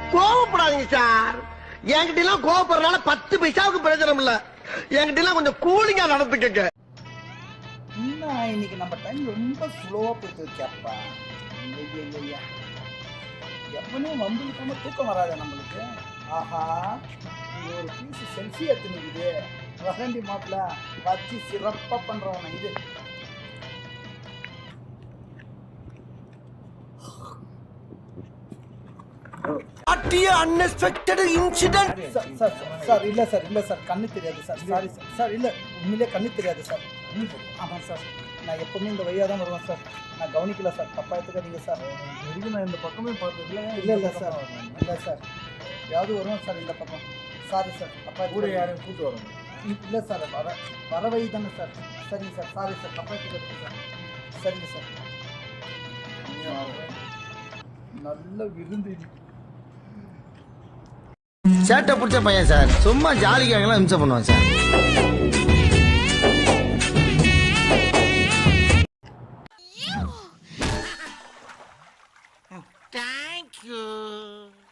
கோவப்படாதீங்க சார். என்கிட்ட எல்லாம் கோவப்படுறதுனால 10 பைசாவுக்கு பிரயோஜனம் இல்ல. என்கிட்ட எல்லாம் கொஞ்சம் கூலிங்கா நடந்துக்கங்க. இன்னைக்கு நம்ம டைம் ரொம்ப ஸ்லோவா போயிட்டு இருக்கப்பா. எப்பவுமே வம்புக்காம தூக்கம் வராது நம்மளுக்கு. ஆஹா, இது ஒரு பீஸ் செல்ஃபி எடுத்துனுக்குது. வசந்தி மாப்பிள்ள வச்சு சிறப்பா பண்றவன இது. Unexpected incident. சார் இல்ல சார் கண்ணு தெரியாது சார். சாரி சார் இல்ல உண்மையிலே கண்ணு தெரியாது சார். ஆமாம் சார், நான் எப்பவுமே இந்த வழியாக தான் வருவேன் சார். நான் கவனிக்கல சார், தப்பாக எடுத்துக்காதீங்க சார். வரைக்கும் நான் இந்த பக்கமே பார்த்ததில்ல. இல்லை சார், இல்லை சார், யாவது வருவேன் சார் இந்த பக்கம். சாரி சார், தப்பாக கூட யாரையும் கூப்பிட்டு வரணும். இல்லை சார், வர வழி தானே சார். சரிங்க சார், சாரி சார், தப்பாக எடுத்துக்காதீங்க சார். சரிங்க சார். நல்ல விருந்து. சேட்டை பிடிச்ச பையன் சார். சும்மா ஜாலிக்காகலாம் இம்சை பண்ணுவான் சார். Thank you.